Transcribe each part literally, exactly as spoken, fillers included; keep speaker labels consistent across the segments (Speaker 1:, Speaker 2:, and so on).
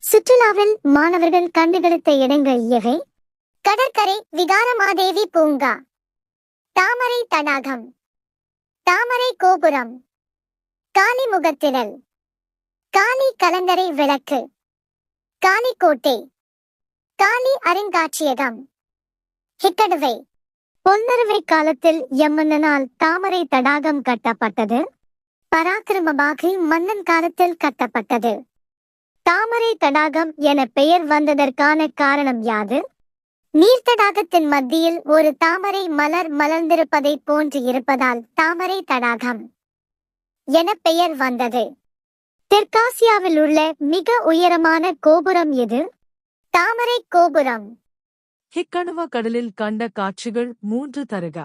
Speaker 1: சுற்றுலாவில் மாணவர்கள் கண்டுகளித்த இடங்கள் எவை? கடற்கரை, விகாரமாதேவி பூங்கா, தாமரை தடாகம், தாமரை கோபுரம், காளி முகத்திடல், காளி கலங்கரை விளக்கு, காளிக்கோட்டை, காளி அருங்காட்சியகம், ஹிக்கடுவை. பொன்னறுவை காலத்தில் எம்மன்னனால் தாமரை தடாகம் கட்டப்பட்டது. பராக்கிரமபாகு மன்னன் காலத்தில் கட்டப்பட்டது. தாமரை தடாகம் என பெயர் வந்ததற்கான காரணம் யாது? நீர்த்தடாகத்தின் மத்தியில் ஒரு தாமரை மலர் மலர்ந்திருப்பதை போன்று இருப்பதால் தாமரை தடாகம் என பெயர் வந்தது. தெற்காசியாவில் உள்ள மிக உயரமான கோபுரம் எது? தாமரை கோபுரம்.
Speaker 2: ஹிக்கணுவ கடலில் கண்ட காட்சிகள் மூன்று தருக.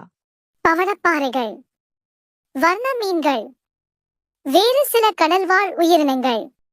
Speaker 1: பவளப்பாறைகள், வர்ண மீன்கள், வேறு சில கடல்வாழ் உயிரினங்கள்.